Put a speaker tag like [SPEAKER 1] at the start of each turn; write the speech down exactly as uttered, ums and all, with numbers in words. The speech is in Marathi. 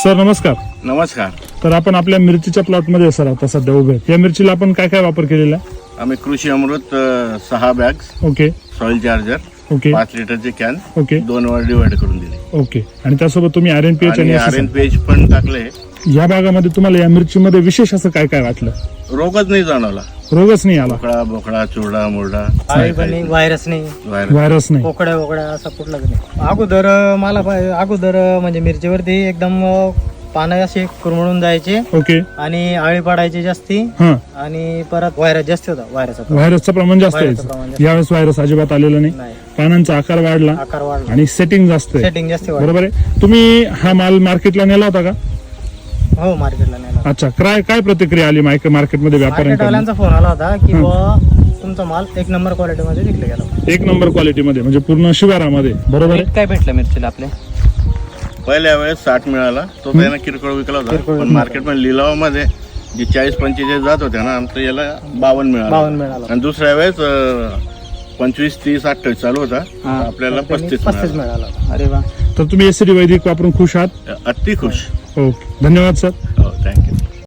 [SPEAKER 1] सर नमस्कार.
[SPEAKER 2] नमस्कार.
[SPEAKER 1] तर आपण आपल्या मिरचीच्या प्लॉटमध्ये सर आता सध्या उभे आहेत. या मिरचीला आपण काय काय वापर केलेला आहे?
[SPEAKER 2] आम्ही कृषी अमृत अ, सहा bags,
[SPEAKER 1] okay
[SPEAKER 2] soil charger,
[SPEAKER 1] okay
[SPEAKER 2] पाच लिटरचे कॅन
[SPEAKER 1] ओके
[SPEAKER 2] दोन वर डिवाइड करून दिले
[SPEAKER 1] ओके आणि त्यासोबत तुम्ही आर एन पी एच
[SPEAKER 2] आणि
[SPEAKER 1] आणि
[SPEAKER 2] R N
[SPEAKER 1] S S.
[SPEAKER 2] P H पण टाकले.
[SPEAKER 1] या भागामध्ये तुम्हाला या मिरचीमध्ये विशेष असं काय काय वाटलं?
[SPEAKER 2] रोगच नाही जाणवला.
[SPEAKER 1] रोगच नाही आला,
[SPEAKER 2] बोकडा बोकडा चुरडा मुरडा
[SPEAKER 3] आळी पण नाही, व्हायरस नाही,
[SPEAKER 2] व्हायरस.
[SPEAKER 1] व्हायरस नाही.
[SPEAKER 3] कोकड्या वोकड्या असा कुठलाच नाही. अगोदर अं, मला पाय- अगोदर अं, म्हणजे मिरचीवरती एकदम अं, पानं असे कुरमळून जायचे
[SPEAKER 1] ओके
[SPEAKER 3] आणि आळी पडायची जास्ती
[SPEAKER 1] हा
[SPEAKER 3] आणि परत व्हायरस जास्त होता. व्हायरसचा
[SPEAKER 1] व्हायरसचं प्रमाण जास्त
[SPEAKER 3] व्हायरसचं प्रमाण
[SPEAKER 1] आहे.
[SPEAKER 3] जास्त.
[SPEAKER 1] यावेळेस व्हायरस अजिबात आलेला नाही.
[SPEAKER 3] नाही,
[SPEAKER 1] पानांचा आकार वाढला
[SPEAKER 3] आकार वाढला,
[SPEAKER 1] आणि सेटिंग जास्त आहे.
[SPEAKER 3] सेटिंग जास्त वाढलं.
[SPEAKER 1] बरोबर आहे. तुम्ही हा माल मार्केटला नेला होता का?
[SPEAKER 3] हो, मार्केटला नेला.
[SPEAKER 1] अच्छा, काय काय प्रतिक्रिया आली मार्केट मार्केटमध्ये व्यापाऱ्यांकडून?
[SPEAKER 3] मार्केटवाल्यांचा फोन आला होता की बुवा तुमचा माल एक नंबर क्वालिटी मध्ये विकला गेला.
[SPEAKER 1] एक नंबर क्वालिटीमध्ये म्हणजे पूर्ण शिवारामध्ये. बरोबर आहे.
[SPEAKER 4] काय भेटलं मिरचीला आपल्या?
[SPEAKER 2] पहिल्या वेळेस साठ मिळाला, तो त्यानं किरकोळ विकला होता.
[SPEAKER 3] किरकोळ
[SPEAKER 2] पण मार्केटमध्ये लिलावामध्ये जे चाळीस पंचेचाळीस जात होते ना, आमचं याला बावन्न मिळाला.
[SPEAKER 3] बावन्न मिळाला.
[SPEAKER 2] आणि दुसऱ्या वेळेस अ, पंचवीस तीस अठ्ठावीस चालू होता, आपल्याला पस्तीस
[SPEAKER 3] पस्तीस
[SPEAKER 2] मिळाला.
[SPEAKER 3] मिळाला.
[SPEAKER 4] अरे वा.
[SPEAKER 1] तर तुम्ही एस सी वैदिक वापरून खुश आहात?
[SPEAKER 2] अति खुश.
[SPEAKER 1] ओके, धन्यवाद सर.
[SPEAKER 2] हो, थँक्यू.